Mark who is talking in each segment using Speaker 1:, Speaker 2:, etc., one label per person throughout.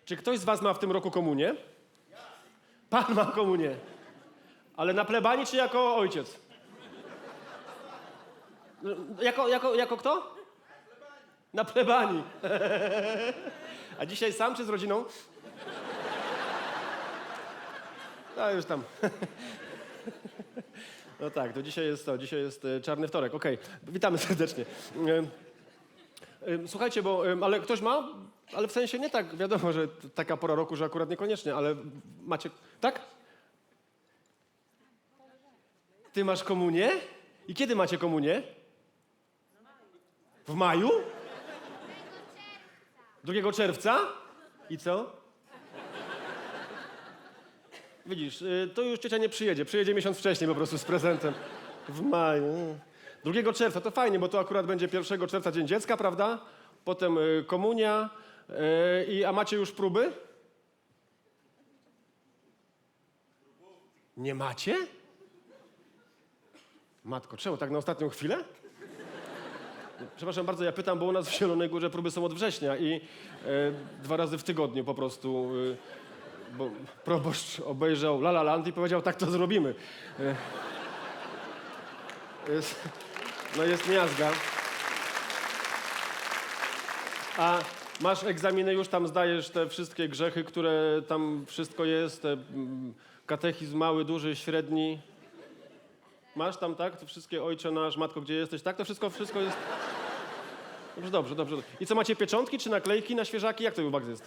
Speaker 1: Czy ktoś z was ma w tym roku komunię? Pan ma komunię. Ale na plebanii czy jako ojciec? Jako kto? Na plebanii. A dzisiaj sam czy z rodziną? No już tam. No tak, to dzisiaj jest czarny wtorek. Okej, witamy serdecznie. Słuchajcie, ale ktoś ma? Ale w sensie nie tak, wiadomo, że taka pora roku, że akurat niekoniecznie, ale macie, tak? Ty masz komunię? I kiedy macie komunię? W maju? 2 czerwca? I co? Widzisz, to już ciocia nie przyjedzie. Przyjedzie miesiąc wcześniej po prostu z prezentem. W maju. 2 czerwca, to fajnie, bo to akurat będzie 1 czerwca Dzień Dziecka, prawda? Potem komunia. A macie już próby? Nie macie? Matko, czemu tak na ostatnią chwilę? Przepraszam bardzo, ja pytam, bo u nas w Zielonej Górze próby są od września i 2 razy w tygodniu po prostu, bo proboszcz obejrzał La La Land i powiedział, tak to zrobimy. Jest miazga. A masz egzaminy już, tam zdajesz te wszystkie grzechy, które tam wszystko jest, katechizm mały, duży, średni. Masz tam, tak? To wszystkie Ojcze nasz, Matko, gdzie jesteś, tak? To wszystko jest... Dobrze. I co, macie pieczątki czy naklejki na świeżaki? Jak to u was jest?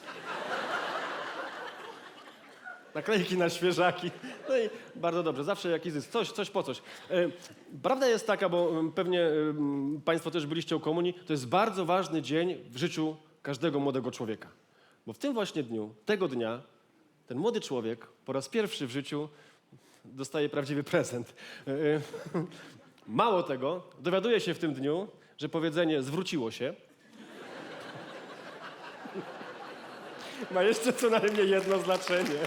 Speaker 1: Naklejki na świeżaki. No i bardzo dobrze, zawsze jakiś zysk, coś po coś. Prawda jest taka, bo pewnie państwo też byliście u komunii, to jest bardzo ważny dzień w życiu każdego młodego człowieka. Bo w tym właśnie dniu, tego dnia, ten młody człowiek po raz pierwszy w życiu dostaje prawdziwy prezent. Mało tego, dowiaduje się w tym dniu, że powiedzenie zwróciło się ma jeszcze co najmniej jedno znaczenie.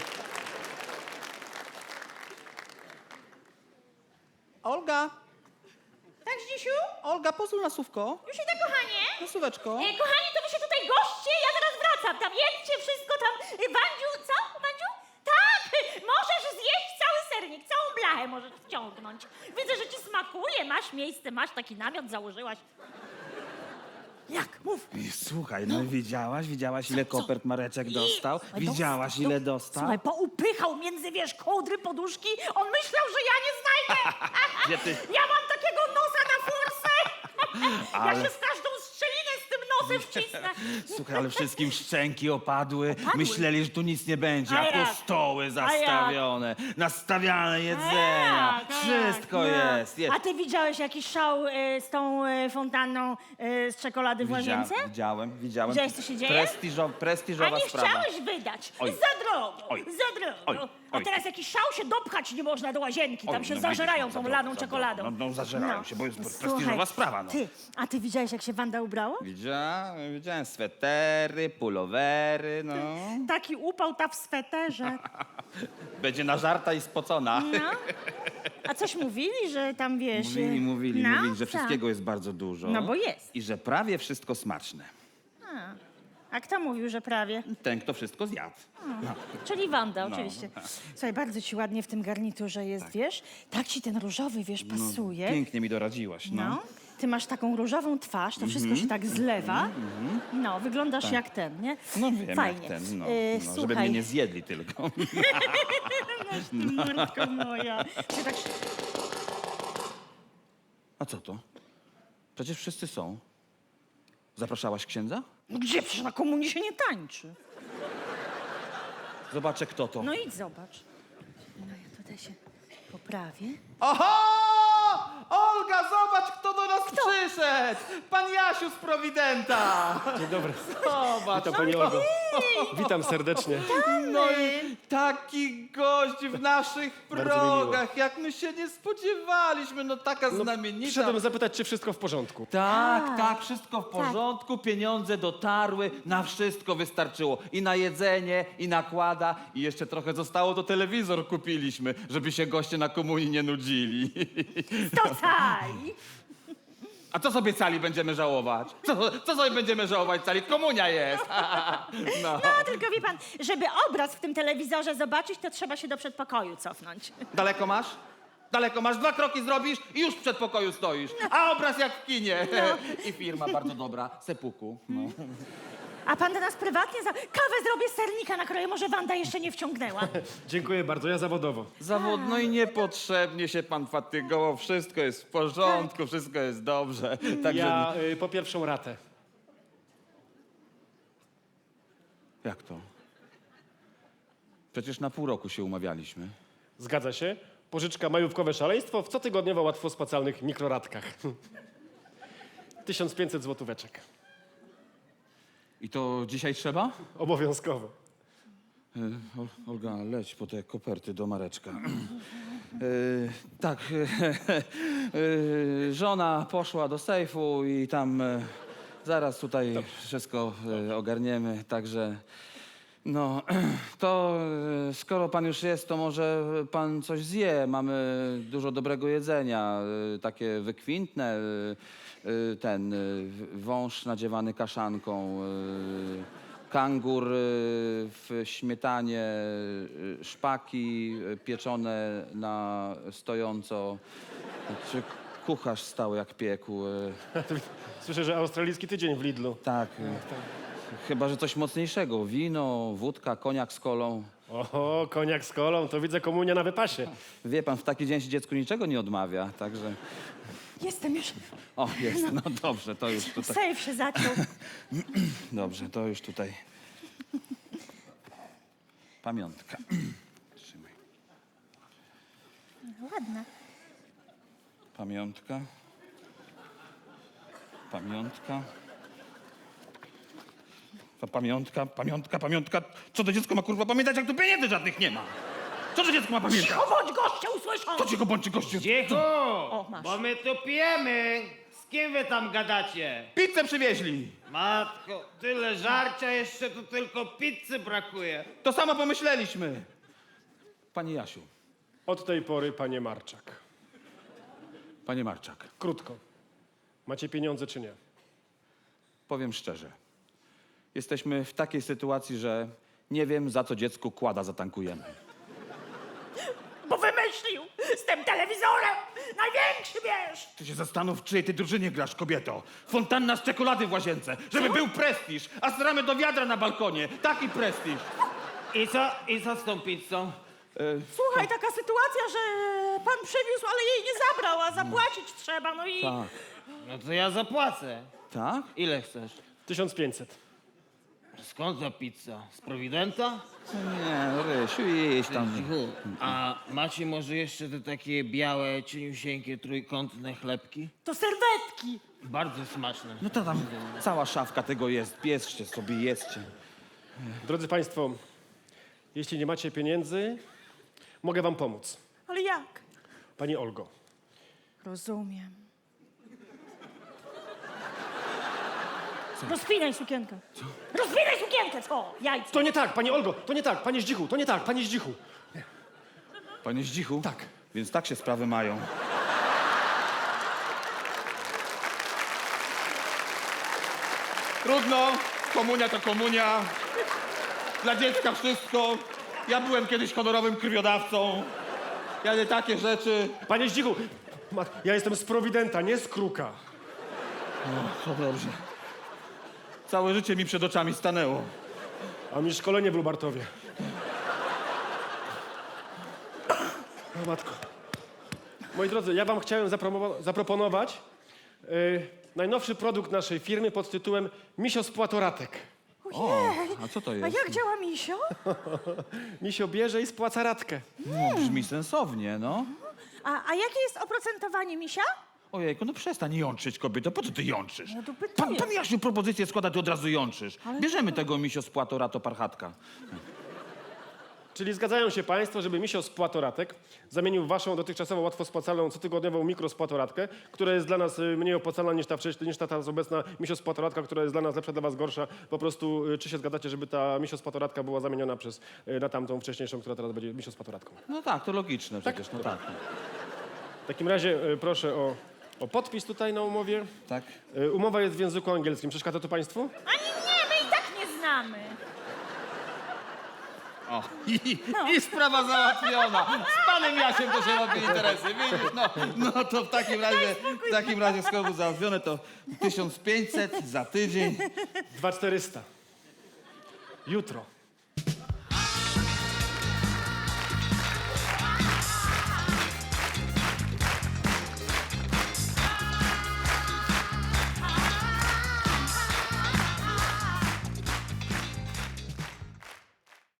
Speaker 2: Olga!
Speaker 3: Tak, Zdzisiu?
Speaker 2: Olga, pozwól na słówko.
Speaker 3: Już idę, kochanie.
Speaker 2: Na słóweczko.
Speaker 3: Kochani, to wy się tutaj goście, ja zaraz wracam. Tam jedźcie wszystko, tam... Wandziu, co? Wandziu? Tak, możesz zjeść cały sernik, całą blachę możesz wciągnąć. Widzę, że ci smakuje, masz miejsce, masz taki namiot, założyłaś. Jak? Mów.
Speaker 2: I słuchaj, no widziałaś ile kopert Mareczek dostał?
Speaker 3: Słuchaj,
Speaker 2: Widziałaś ile dostał?
Speaker 3: Słuchaj, poupychał między, kołdry, poduszki. On myślał, że ja nie znajdę.
Speaker 2: Gdzie ty?
Speaker 3: Ja mam takiego nosa na forsę.
Speaker 2: Ale-
Speaker 3: Ja się z każdą strzelinę z tym nosem wcisnę.
Speaker 2: Słuchaj, ale wszystkim szczęki opadły. Myśleli, że tu nic nie będzie,
Speaker 3: A
Speaker 2: a tu
Speaker 3: jak?
Speaker 2: stoły zastawione, nastawiane jedzenia. Wszystko jest.
Speaker 3: A ty widziałeś jakiś szał z tą fontanną z czekolady w łazience?
Speaker 2: Widziałem.
Speaker 3: Widziałeś, co się dzieje?
Speaker 2: Prestiżowa
Speaker 3: A nie
Speaker 2: sprawa.
Speaker 3: chciałeś wydać.
Speaker 2: Oj.
Speaker 3: Za drogo.
Speaker 2: Oj.
Speaker 3: Za drogo.
Speaker 2: Oj.
Speaker 3: A teraz jakiś szał się dopchać nie można do łazienki. Tam
Speaker 2: Oj,
Speaker 3: się
Speaker 2: no
Speaker 3: zażerają
Speaker 2: widzisz,
Speaker 3: tą
Speaker 2: za
Speaker 3: laną
Speaker 2: drogo,
Speaker 3: czekoladą.
Speaker 2: No zażerają się, bo jest
Speaker 3: Słuchaj,
Speaker 2: prestiżowa sprawa. No.
Speaker 3: A ty widziałeś, jak się Wanda ubrała?
Speaker 2: Widziałem swetery, pulowery, no.
Speaker 3: Taki upał ta w sweterze.
Speaker 2: Będzie nażarta i spocona.
Speaker 3: No. A coś mówili, że tam wiesz...
Speaker 2: Mówili,
Speaker 3: no,
Speaker 2: że
Speaker 3: co?
Speaker 2: wszystkiego jest bardzo dużo.
Speaker 3: No bo jest.
Speaker 2: I że prawie wszystko smaczne.
Speaker 3: A kto mówił, że prawie?
Speaker 2: Ten, kto wszystko zjadł.
Speaker 3: Czyli Wanda,
Speaker 2: No.
Speaker 3: oczywiście. Słuchaj, bardzo ci ładnie w tym garniturze jest, wiesz? Tak ci ten różowy, pasuje.
Speaker 2: Pięknie mi doradziłaś, no.
Speaker 3: No. Ty masz taką różową twarz, to wszystko się tak zlewa. No, wyglądasz jak ten, nie?
Speaker 2: No wiem,
Speaker 3: Fajnie.
Speaker 2: jak ten, no.
Speaker 3: Słuchaj,
Speaker 2: Żeby mnie nie zjedli tylko.
Speaker 3: mordko moja. Ty tak...
Speaker 2: A co to? Przecież wszyscy są. Zapraszałaś księdza?
Speaker 3: No gdzie? Przecież na komunii się nie tańczy.
Speaker 2: Zobaczę, kto to.
Speaker 3: No idź zobacz. No ja tutaj się poprawię.
Speaker 2: Oho! Olga, zobacz, kto do nas przyszedł! Pan Jasiu z Prowidenta!
Speaker 1: Dzień dobry.
Speaker 2: Zobacz.
Speaker 1: Witam pani Olgo. Witam serdecznie.
Speaker 2: No i taki gość w naszych
Speaker 1: Bardzo mi
Speaker 2: progach, jak my się nie spodziewaliśmy, no taka znamienita.
Speaker 1: Przyszedłem zapytać, czy wszystko w porządku.
Speaker 2: Tak, wszystko w porządku, pieniądze dotarły, na wszystko wystarczyło. I na jedzenie, i nakłada, i jeszcze trochę zostało, to telewizor kupiliśmy, żeby się goście na komunii nie nudzili.
Speaker 3: Stocaj!
Speaker 2: A co sobie cali będziemy żałować? Co sobie będziemy żałować cali? Komunia jest. No.
Speaker 3: No, tylko wie pan, żeby obraz w tym telewizorze zobaczyć, to trzeba się do przedpokoju cofnąć.
Speaker 2: Daleko masz? Daleko masz, 2 kroki zrobisz i już w przedpokoju stoisz. A obraz jak w kinie. I firma bardzo dobra, Sepuku. No.
Speaker 3: A pan do nas prywatnie kawę zrobię z sernika nakroję, może Wanda jeszcze nie wciągnęła.
Speaker 1: Dziękuję bardzo, ja zawodowo.
Speaker 2: No i niepotrzebnie się pan fatygował. Wszystko jest w porządku, wszystko jest dobrze. Także...
Speaker 1: Ja po pierwszą ratę.
Speaker 2: Jak to? Przecież na pół roku się umawialiśmy.
Speaker 1: Zgadza się. Pożyczka majówkowe szaleństwo w cotygodniowo łatwo spłacalnych mikroratkach. 1500 złotóweczek.
Speaker 2: I to dzisiaj trzeba?
Speaker 1: Obowiązkowo.
Speaker 2: Olga, leć po te koperty do Mareczka. Tak, żona poszła do sejfu i tam zaraz tutaj wszystko ogarniemy, także no to skoro pan już jest, to może pan coś zje. Mamy dużo dobrego jedzenia, takie wykwintne, wąż nadziewany kaszanką, kangur w śmietanie, szpaki pieczone na stojąco. Czy kucharz stał jak piekł.
Speaker 1: Słyszę, że australijski tydzień w Lidlu.
Speaker 2: Tak. Chyba, że coś mocniejszego. Wino, wódka, koniak z kolą.
Speaker 1: Oho, koniak z kolą, to widzę komunia na wypasie.
Speaker 2: Wie pan, w taki dzień się dziecku niczego nie odmawia, także...
Speaker 3: Jestem już.
Speaker 2: O, jest. No dobrze, to już tutaj...
Speaker 3: Sejf się zaciął.
Speaker 2: Dobrze, to już tutaj... Pamiątka. Trzymaj.
Speaker 3: Ładna.
Speaker 2: Pamiątka. Pamiątka. Pamiątka. Co to dziecko ma kurwa pamiętać, jak tu pieniędzy żadnych nie ma? Co to dziecko ma pamiętać?
Speaker 3: Cicho bądź, goście usłyszą!
Speaker 2: To cicho bądź gościu.
Speaker 4: Cicho!
Speaker 3: O, masz.
Speaker 4: Bo my tu pijemy! Z kim wy tam gadacie?
Speaker 2: Pizzę przywieźli.
Speaker 4: Matko, tyle żarcia, jeszcze tu tylko pizzy brakuje.
Speaker 2: To samo pomyśleliśmy. Pani Jasiu,
Speaker 1: Od tej pory, panie Marczak.
Speaker 2: panie Marczak,
Speaker 1: Krótko. Macie pieniądze czy nie?
Speaker 2: powiem szczerze. Jesteśmy w takiej sytuacji, że nie wiem, za co dziecku kłada zatankujemy.
Speaker 3: Bo wymyślił z tym telewizorem największy wiesz!
Speaker 2: Ty się zastanów, w czyjej ty drużynie grasz, kobieto. Fontanna z czekolady w łazience, żeby był prestiż, a stramy do wiadra na balkonie. Taki prestiż.
Speaker 4: I co z tą pizzą?
Speaker 3: Słuchaj, taka sytuacja, że pan przywiózł, ale jej nie zabrał, a zapłacić trzeba, no i...
Speaker 2: Tak.
Speaker 4: No to ja zapłacę.
Speaker 2: Tak?
Speaker 4: Ile chcesz?
Speaker 1: 1500.
Speaker 4: Skąd ta pizza? Z Prowidenta?
Speaker 2: Nie, Rysiu, idź tam.
Speaker 4: Cichu. A macie może jeszcze te takie białe, cieniusieńkie, trójkątne chlebki?
Speaker 3: To serwetki!
Speaker 4: Bardzo smaczne.
Speaker 2: No to tam cała szafka tego jest. Bierzcie sobie, jedzcie.
Speaker 1: Drodzy państwo, jeśli nie macie pieniędzy, mogę wam pomóc.
Speaker 3: Ale jak?
Speaker 1: Pani Olgo,
Speaker 3: Rozumiem. Rozpinaj sukienkę. Co? Rozpinaj sukienkę, co? Jajce.
Speaker 1: to nie tak, pani Olgo, to nie tak, panie Zdzichu, to nie tak, panie Zdzichu.
Speaker 2: Panie Zdzichu?
Speaker 1: Tak.
Speaker 2: Więc tak się sprawy mają. Trudno, komunia to komunia. Dla dziecka wszystko. Ja byłem kiedyś honorowym krwiodawcą. Ja nie takie rzeczy.
Speaker 1: Panie Zdzichu, ja jestem z Prowidenta, nie z Kruka.
Speaker 2: To dobrze. Całe życie mi przed oczami stanęło.
Speaker 1: A mi szkolenie w Lubartowie. O matko. Moi drodzy, ja wam chciałem zaproponować najnowszy produkt naszej firmy pod tytułem Misio z Płatoratek.
Speaker 3: Ojej.
Speaker 2: A co to
Speaker 3: A
Speaker 2: jest?
Speaker 3: jak działa misio?
Speaker 1: Misio bierze i spłaca ratkę.
Speaker 2: No, brzmi sensownie, no.
Speaker 3: A jakie jest oprocentowanie misia?
Speaker 2: Ojejku, no przestań jączyć, kobieto. Po co ty jączysz?
Speaker 3: No to pytanie.
Speaker 2: Pan Jasiu propozycję składa, ty od razu jączysz. Bierzemy tego misio z Płatorato Parchatka.
Speaker 1: Czyli zgadzają się państwo, żeby Misio z Płatoratek zamienił waszą dotychczasową łatwo spłacalną cotygodniową mikrospłatoratkę, która jest dla nas mniej opłacalna niż ta teraz obecna Misio z Płatoratka, która jest dla nas lepsza, dla was gorsza. Po prostu czy się zgadzacie, żeby ta Misio z Płatoratka była zamieniona na tamtą wcześniejszą, która teraz będzie Misio z Płatoratką?
Speaker 2: No tak, to logiczne przecież, no tak.
Speaker 1: W takim razie proszę o O podpis tutaj na umowie.
Speaker 2: Tak?
Speaker 1: Umowa jest w języku angielskim. Przeszkadza to państwu?
Speaker 3: Ani nie, my i tak nie znamy.
Speaker 2: O, i sprawa załatwiona. Z panem Jasiem to się robi interesy, widzisz? No to w takim razie skoro załatwione, to 1500 za tydzień.
Speaker 1: 2400. Jutro.